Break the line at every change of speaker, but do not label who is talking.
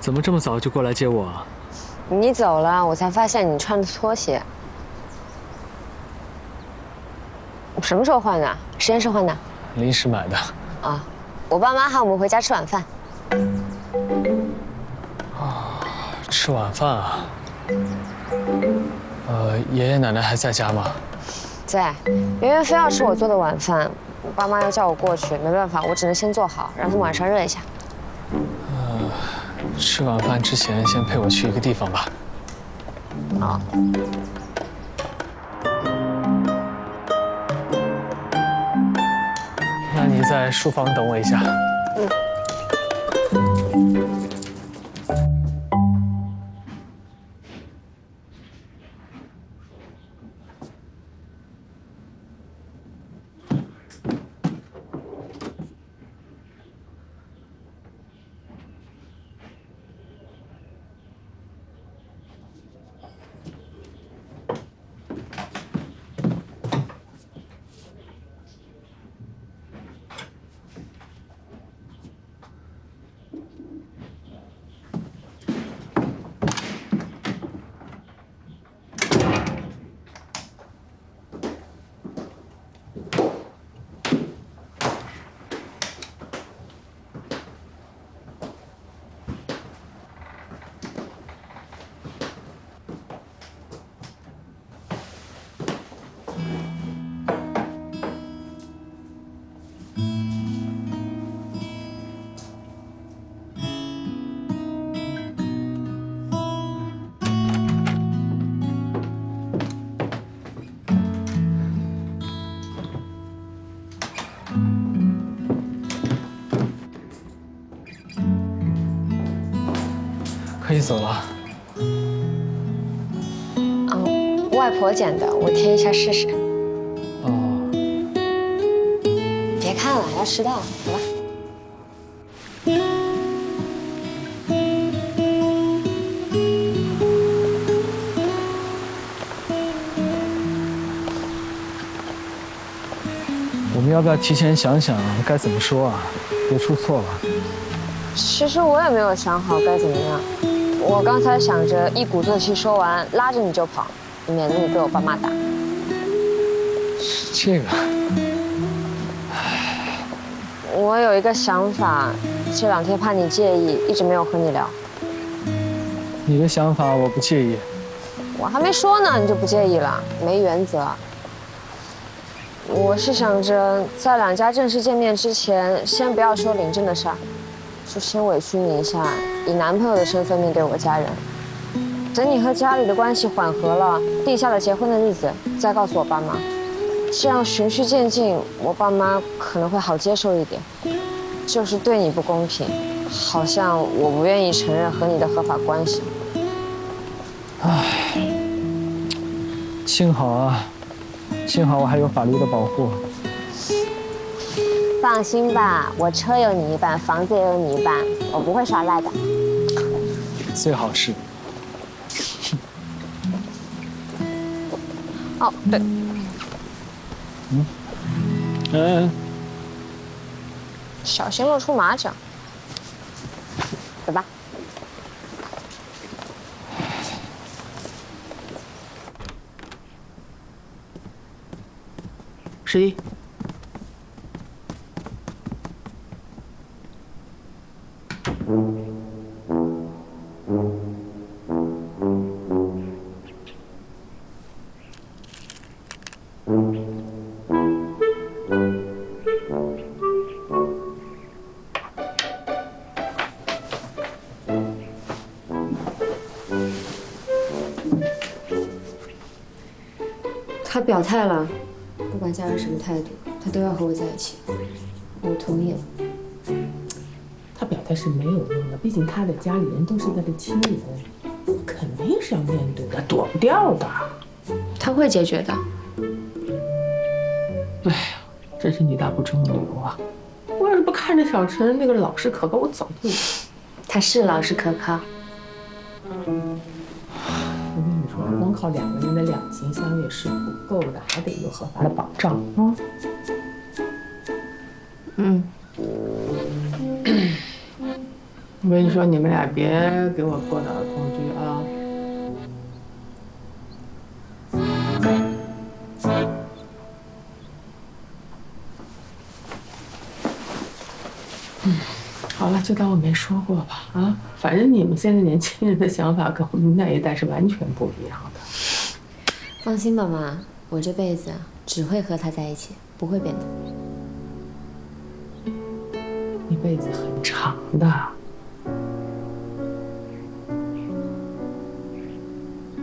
怎么这么早就过来接我啊？
你走了，我才发现你穿的拖鞋。什么时候换的？实验室换的？
临时买的。
啊，我爸妈喊我们回家吃晚饭。
吃晚饭啊？爷爷奶奶还在家吗？
在，圆圆非要吃我做的晚饭，我爸妈要叫我过去，没办法，我只能先做好，让他们晚上热一下。
吃晚饭之前先陪我去一个地方吧。
好。
那你在书房等我一下。可以走了。
外婆剪的，我贴一下试试。
哦。
别看了，要迟到了，走吧。
我们要不要提前想想该怎么说啊？别出错了。
其实我也没有想好该怎么样。我刚才想着一鼓作气说完，拉着你就跑，免得你被我爸妈打。
这个，
我有一个想法，这2天怕你介意，一直没有和你聊。
你的想法我不介意。
我还没说呢，你就不介意了？没原则。我是想着在2家正式见面之前，先不要说领证的事儿，就先委屈你一下，以男朋友的身份面对我家人。等你和家里的关系缓和了，定下了结婚的日子，再告诉我爸妈。这样循序渐进，我爸妈可能会好接受一点。就是对你不公平，好像我不愿意承认和你的合法关系。
唉，幸好啊，幸好我还有法律的保护。
放心吧，我车有你一半，房子也有你一半，我不会耍赖的。
最好是。
哦，对。小心露出马脚。走吧。
十一。
他表态了，不管家人什么态度，他都要和我在一起。我同意了。
他表态是没有用的，毕竟他的家里人都是他的亲人，肯定是要面对的，躲不掉的。
他会解决的。
哎呀，真是女大不中留啊！我要是不看着小陈那个老实可靠，我早就……
他是老实可靠。
我跟你说，光靠2个人的两情相悦是不够的，还得有合法的保障啊。 我跟你说，你们俩别给我过脑空剧啊！好了，就当我没说过吧。啊，反正你们现在年轻人的想法跟我们那一代是完全不一样的。
放心吧，妈，我这辈子只会和他在一起，不会变的。
一辈子很长的。